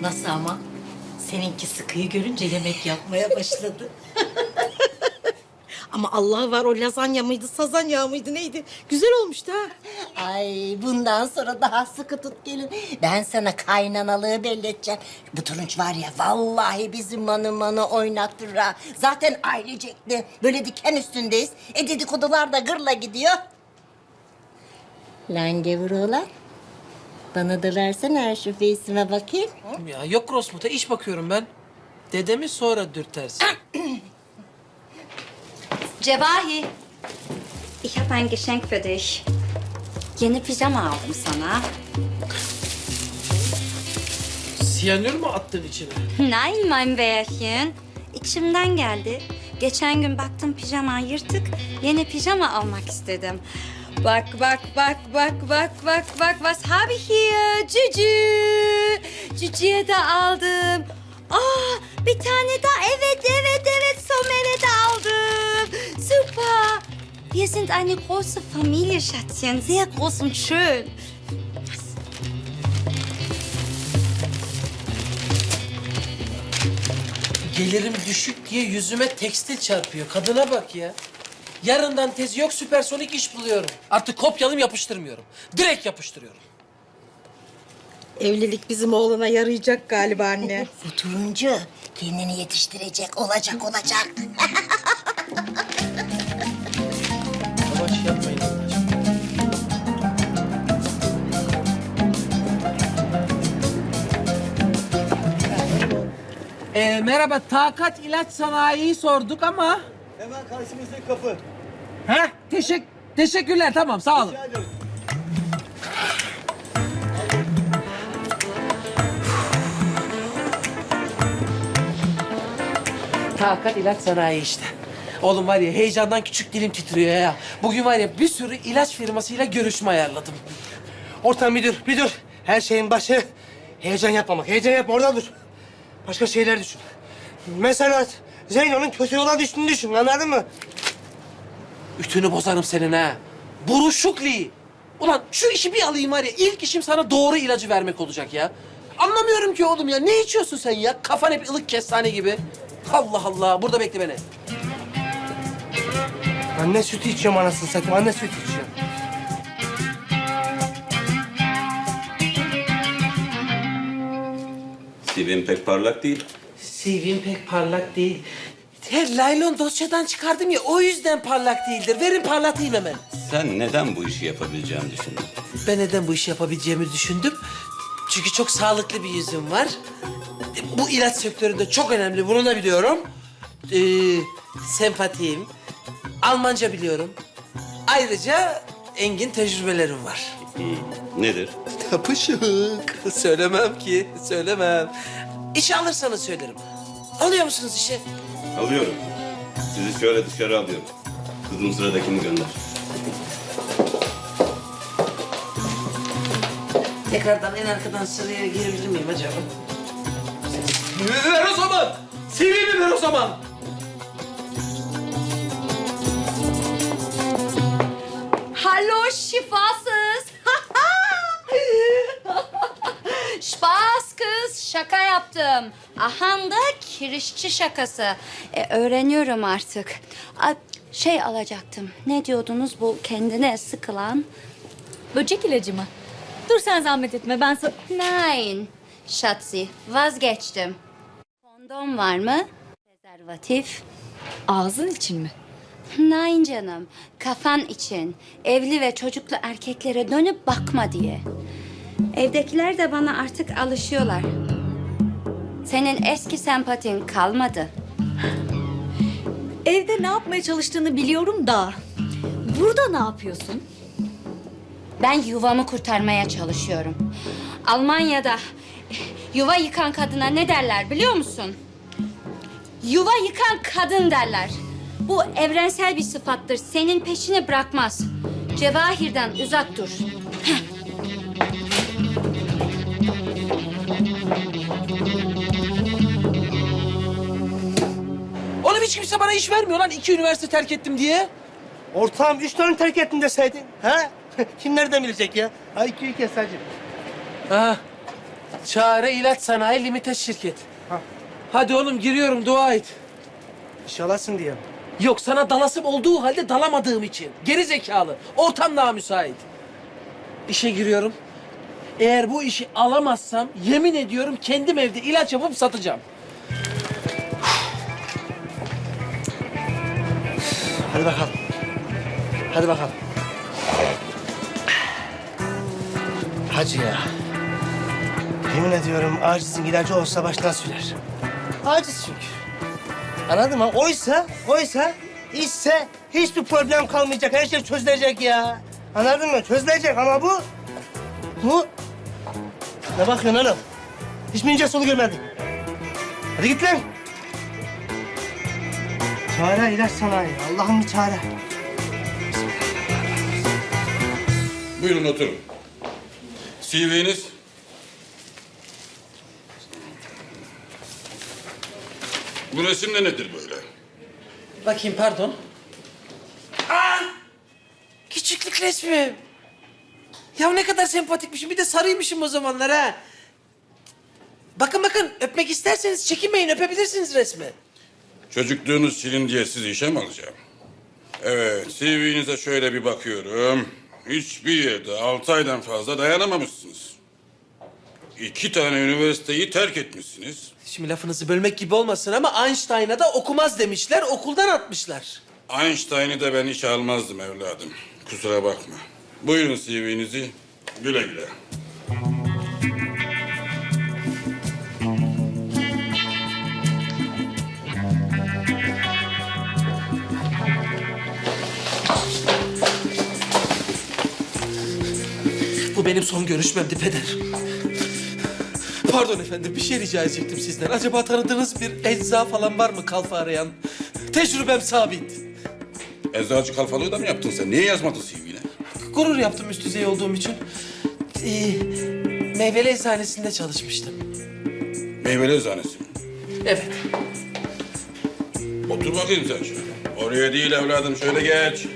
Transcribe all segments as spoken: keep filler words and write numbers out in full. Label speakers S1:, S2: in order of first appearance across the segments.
S1: Nasıl ama? Seninki sıkıyı görünce yemek yapmaya başladı.
S2: Ama Allah var, o lazanya mıydı, sazanya mıydı, neydi? Güzel olmuştu ha.
S1: Ay bundan sonra daha sıkı tut gelin. Ben sana kaynanalığı belli edeceğim. Bu turunç var ya vallahi bizim manı manı oynattır ha. Zaten ailecekti. Böyle diken üstündeyiz. E dedikodular da gırla gidiyor. Lan gevur oğlan. Bana da versene şu face'ime bakayım.
S3: Ya yok Rosmut'a iş bakıyorum ben. Dedemi sonra dürtersin.
S4: Cevahi, ich habe ein Geschenk für dich. Yeni pijama aldım sana.
S3: Siyanür mü attın içine?
S4: Nein, mein Bärchen. İçimden geldi. Geçen gün baktım pijaman yırtık. Yeni pijama almak istedim. Bak, bak, bak, bak, bak, bak, bak. Was habe ich hier? Cücü. Cücüye de aldım. Aa, bir tane daha. Evet, evet, evet. Somer'e de aldım. Super. Wir sind eine große Familie, Schatzchen. Sehr groß und schön.
S3: Gelirim düşük diye yüzüme tekstil çarpıyor. Kadına bak ya. Yarından tezi yok, süpersonik iş buluyorum. Artık kopyalım yapıştırmıyorum. Direkt yapıştırıyorum.
S2: Evlilik bizim oğlana yarayacak galiba anne.
S1: Bu turuncu kendini yetiştirecek, olacak olacak.
S3: Yavaş yapmayın Allah aşkına. Ee, merhaba, Takat İlaç Sanayi'yi sorduk ama...
S5: Hemen karşımızdaki kapı.
S3: Heh, teşekkür, teşekkürler, tamam, sağ olun.
S5: Rica ederim.
S3: Takat İlaç Sanayi işte. Oğlum var ya, heyecandan küçük dilim titriyor ya. Bugün var ya, bir sürü ilaç firmasıyla görüşme ayarladım.
S5: Ortam bir dur, bir dur. Her şeyin başı heyecan yapmamak. Heyecan yapma, orada dur. Başka şeyler düşün. Mesela Zeyno'nun kötü yola düştüğünü düşün, anladın mı?
S3: Ütünü bozarım senin ha. Buruşukli. Ulan şu işi bir alayım var ya, ilk işim sana doğru ilacı vermek olacak ya. Anlamıyorum ki oğlum ya. Ne içiyorsun sen ya? Kafan hep ılık kestane gibi. Allah Allah. Burada bekle beni.
S5: Anne sütü içiyorum anasını satayım, anne sütü içiyorum.
S6: C V'm pek parlak değil.
S3: C V'm pek parlak değil. Her laylon dosyadan çıkardım ya, o yüzden parlak değildir. Verin parlatayım hemen.
S6: Sen neden bu işi yapabileceğini düşündün?
S3: Ben neden bu işi yapabileceğimi düşündüm. Çünkü çok sağlıklı bir yüzüm var. Bu ilaç sektöründe çok önemli, bunu da biliyorum. Ee, sempatiyim, Almanca biliyorum. Ayrıca engin tecrübelerim var.
S6: Nedir?
S3: Yapışık. Söylemem ki, söylemem. İşe alırsanız söylerim. Alıyor musunuz işe?
S6: Alıyorum. Sizi şöyle dışarı alıyorum. Kızım sıradakini gönder.
S3: Tekrardan en arkadan sıraya girebilir miyim acaba? Ver o zaman! C V'mi ver o zaman!
S4: Hallo şifasız. Spaß kız, şaka yaptım. Ahanda kirişçi şakası. E, öğreniyorum artık. A, şey alacaktım. Ne diyordunuz bu kendine sıkılan?
S7: Böcek ilacı mı? Dur sen zahmet etme ben sa-
S4: Nein, Schatzi, vazgeçtim. Kondom var mı? Prezervatif.
S7: Ağzın için mi?
S4: Nein canım, kafan için. Evli ve çocuklu erkeklere dönüp bakma diye. Evdekiler de bana artık alışıyorlar. Senin eski sempatin kalmadı.
S7: Evde ne yapmaya çalıştığını biliyorum da. Burada ne yapıyorsun?
S4: Ben yuvamı kurtarmaya çalışıyorum. Almanya'da yuva yıkan kadına ne derler biliyor musun? Yuva yıkan kadın derler. Bu evrensel bir sıfattır. Senin peşini bırakmaz. Cevahir'den uzak dur.
S3: Oğlum hiç kimse bana iş vermiyor lan, iki üniversite terk ettim diye.
S5: Ortağım üç tane terk ettin deseydin. Ha? Kim nereden bilecek ya? I Q'yu kes hacı.
S3: Ha, Çare İlaç Sanayi Limited şirket. Hadi oğlum giriyorum, dua et.
S5: İnşallahsın diye.
S3: Yok, sana dalasım olduğu halde dalamadığım için. Geri zekalı. Ortam daha müsait. İşe giriyorum. Eğer bu işi alamazsam yemin ediyorum kendim evde ilaç yapıp satacağım.
S5: Hadi bakalım. Hadi bakalım. Hacı ya. Yemin ediyorum acizin ilacı olsa baştan sürer. Aciz çünkü. Anladın mı? Oysa, oysa, işse hiçbir problem kalmayacak. Her şey çözülecek ya. Anladın mı? Çözülecek ama bu... Bu... Ne bakıyorsun oğlum? Hiç mi ince solu görmedin? Hadi git lan. Çare ilaç sanayi. Allah'ım bir çare.
S6: Buyurun oturun. C V'niz? Bu resim de nedir böyle?
S3: Bakayım, pardon. Aa! Küçüklük resmim. Ya ne kadar sempatikmişim. Bir de sarıymışım o zamanlar ha. Bakın bakın, öpmek isterseniz çekinmeyin, öpebilirsiniz resmi.
S6: Çocukluğunuz silin diye sizi işe mi alacağım? Evet, C V'nize şöyle bir bakıyorum. Hiçbir yerde altı aydan fazla dayanamamışsınız. İki tane üniversiteyi terk etmişsiniz.
S3: Şimdi lafınızı bölmek gibi olmasın ama Einstein'a da okumaz demişler, okuldan atmışlar.
S6: Einstein'ı da ben işe almazdım evladım. Kusura bakma. Buyurun C V'nizi. Güle güle.
S3: Bu benim son görüşmemdi peder. Pardon efendim, bir şey rica edecektim sizden. Acaba tanıdığınız bir ecza falan var mı kalfa arayan? Tecrübem sabit.
S6: Eczacı kalfalığı da mı yaptın sen? Niye yazmadın C V'ne?
S3: Gurur yaptım üst düzey olduğum için. Ee, meyveli eczanesinde çalışmıştım.
S6: Meyveli eczanesi mi?
S3: Evet.
S6: Otur bakayım sen şöyle. Oraya değil evladım, şöyle geç.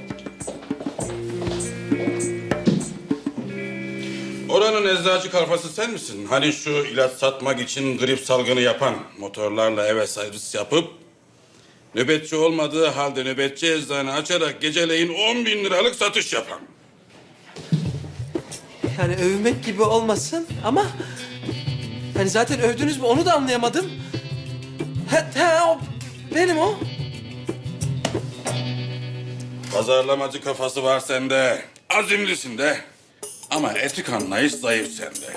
S6: Oranın eczacı kalfası sen misin? Hani şu ilaç satmak için grip salgını yapan, motorlarla eve servis yapıp... ...nöbetçi olmadığı halde nöbetçi eczane açarak geceleyin on bin liralık satış yapan.
S3: Yani övmek gibi olmasın ama... ...hani zaten övdünüz mü onu da anlayamadım. He, he o benim o.
S6: Pazarlamacı kafası var sende. Azimlisin de. Ama etik anlayış zayıf sende.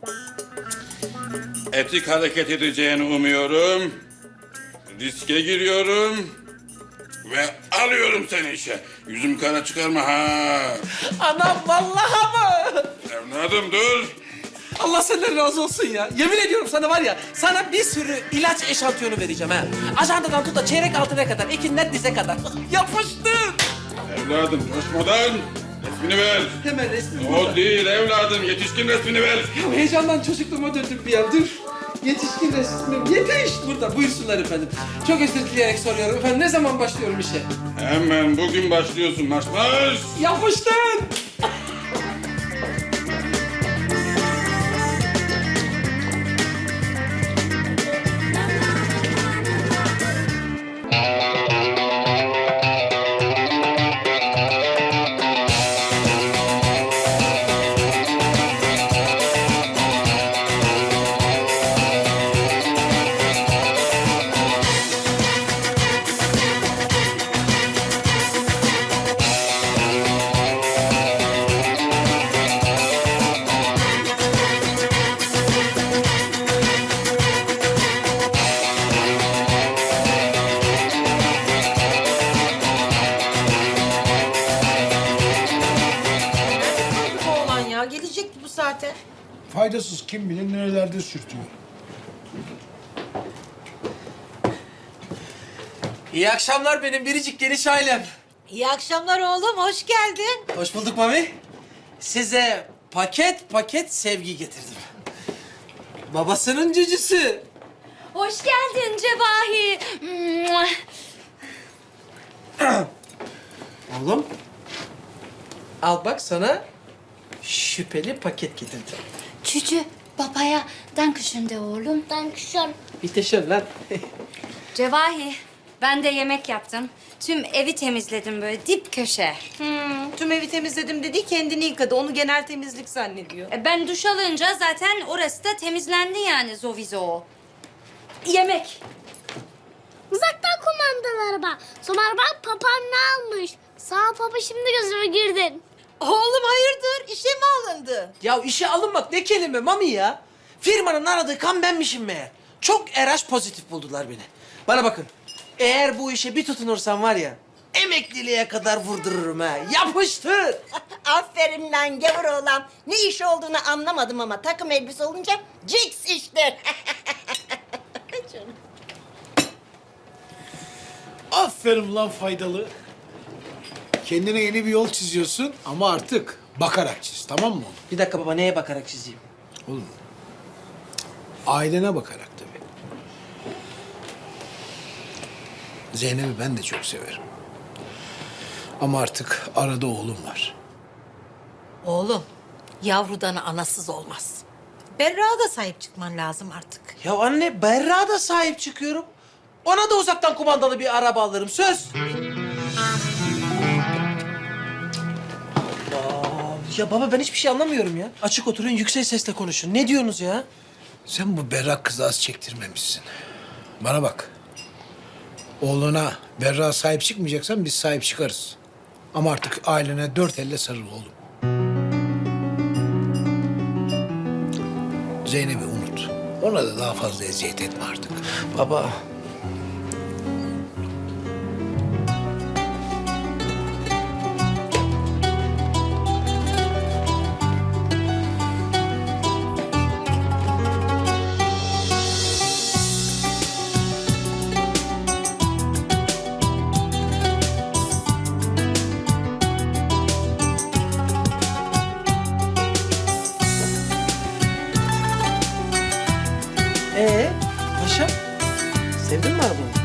S6: Etik hareket edeceğini umuyorum. Riske giriyorum. Ve alıyorum seni işe. Yüzüm kara çıkarma ha.
S3: Anam vallahi mı?
S6: Evladım dur.
S3: Allah senden razı olsun ya. Yemin ediyorum sana var ya, sana bir sürü ilaç eşantiyonu vereceğim ha. Ajandadan tut da çeyrek altına kadar, ekinden dize kadar. Yapıştır.
S6: Evladım coşmadan resmini ver.
S3: Hemen resmi
S6: O
S3: burada.
S6: değil evladım, yetişkin resmini ver.
S3: Ya heyecandan çocukluğuma döndüm bir an. Dur. Yetişkin resmim. Yetiş burada. Buyursunlar efendim. Çok özür dileyerek soruyorum efendim. Ne zaman başlıyorum işe?
S6: Hemen bugün başlıyorsun marş marş.
S3: Yapıştın.
S2: Nerede kaldı bu oğlan ya? Gelecekti bu saate.
S8: Faydasız, kim bilir nerelerde sürtüyor.
S3: İyi akşamlar benim biricik geniş ailem.
S2: İyi akşamlar oğlum, hoş geldin.
S3: Hoş bulduk Mami. Size paket paket sevgi getirdim. Babasının cücüsü.
S4: Hoş geldin Cevahi.
S3: Oğlum. Al bak sana şüpheli paket getirdim.
S4: Cücü, Babaya Dankeschön de oğlum.
S9: Dankeschön.
S3: Bitte schön lan.
S4: Cevahi, ben de yemek yaptım. Tüm evi temizledim böyle dip köşe.
S2: Hmm, tüm evi temizledim dedi, kendini yıkadı. Onu genel temizlik zannediyor.
S4: E, Ben duş alınca zaten orası da temizlendi yani zovizo. Yemek.
S9: Uzaktan kumandalı araba. Somer bak papam ne almış. Sağ ol baba, şimdi gözüme girdin.
S2: Oğlum hayırdır? İşe mi alındı?
S3: Ya işe alınmak ne kelime Mami ya? Firmanın aradığı kan benmişim meğer. Çok R H pozitif buldular beni. Bana bakın. Eğer bu işe bir tutunursam var ya, emekliliğe kadar vurdururum ha. Yapıştır.
S1: Aferin lan gavur oğlan. Ne iş olduğunu anlamadım ama takım elbise olunca ciks iştir.
S8: Aferin lan faydalı. Kendine yeni bir yol çiziyorsun ama artık bakarak çiz, tamam mı oğlum?
S3: Bir dakika baba, neye bakarak çizeyim?
S8: Oğlum, ailene bakarak tabii. Zeynep'i ben de çok severim. Ama artık arada oğlum var.
S2: Oğlum, yavrudan anasız olmaz. Berra'ya da sahip çıkman lazım artık.
S3: Ya anne, Berra'ya da sahip çıkıyorum. Ona da uzaktan kumandalı bir araba alırım, söz. Allah. Ya baba, ben hiçbir şey anlamıyorum ya. Açık oturun, yüksek sesle konuşun. Ne diyorsunuz ya?
S8: Sen bu berrak kızı az çektirmemişsin. Bana bak. Oğluna Berra sahip çıkmayacaksan biz sahip çıkarız. Ama artık ailene dört elle sarıl oğlum. Zeynep'i unut. Ona da daha fazla eziyet etme artık.
S3: Baba. Ee, paşa, sevdin mi arabanı?